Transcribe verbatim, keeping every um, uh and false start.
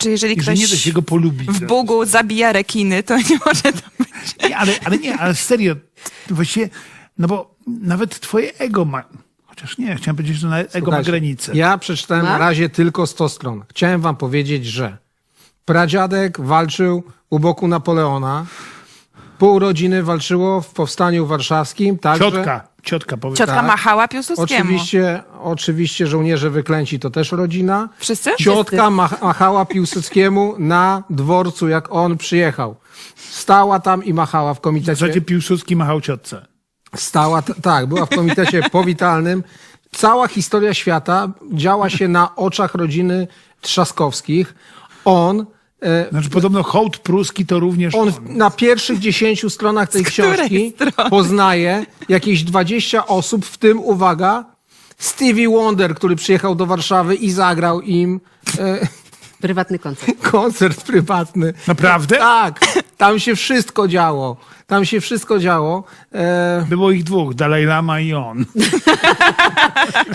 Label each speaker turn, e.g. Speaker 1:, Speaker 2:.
Speaker 1: Znaczy, jeżeli
Speaker 2: I że
Speaker 1: ktoś
Speaker 2: nie da się go polubić.
Speaker 1: w Bugu zabija rekiny, to nie może to być.
Speaker 2: Nie, ale, ale nie, ale serio, właściwie, no bo nawet twoje ego ma, chociaż nie, chciałem powiedzieć, że na ego ma
Speaker 3: Słuchajcie,
Speaker 2: granicę.
Speaker 3: Ja przeczytałem
Speaker 4: Ma?
Speaker 3: na razie tylko sto stron. Chciałem wam powiedzieć, że pradziadek walczył u boku Napoleona, pół rodziny walczyło w Powstaniu Warszawskim, także...
Speaker 2: Ciotka, ciotka powie.
Speaker 1: Ciotka
Speaker 3: Tak.
Speaker 1: machała Piłsudskiemu.
Speaker 3: Oczywiście, oczywiście żołnierze wyklęci to też rodzina.
Speaker 1: Wszyscy?
Speaker 3: Ciotka mach, machała Piłsudskiemu na dworcu, jak on przyjechał. Stała tam i machała w
Speaker 2: W
Speaker 3: komitecie.
Speaker 2: zasadzie Piłsudski machał ciotce.
Speaker 3: Stała, t- tak, była w komitecie powitalnym. Cała historia świata działa się na oczach rodziny Trzaskowskich. On, e,
Speaker 2: Znaczy podobno hołd pruski to również
Speaker 3: on
Speaker 2: on.
Speaker 3: w- na pierwszych dziesięciu stronach tej
Speaker 1: Z której
Speaker 3: książki
Speaker 1: strony?
Speaker 3: poznaje jakieś dwadzieścia osób, w tym, uwaga, Stevie Wonder, który przyjechał do Warszawy i zagrał im e,
Speaker 4: Prywatny koncert.
Speaker 3: koncert prywatny.
Speaker 2: Naprawdę?
Speaker 3: Tak, tam się wszystko działo. Tam się wszystko działo. E,
Speaker 2: Było ich dwóch, Dalaj Lama i on.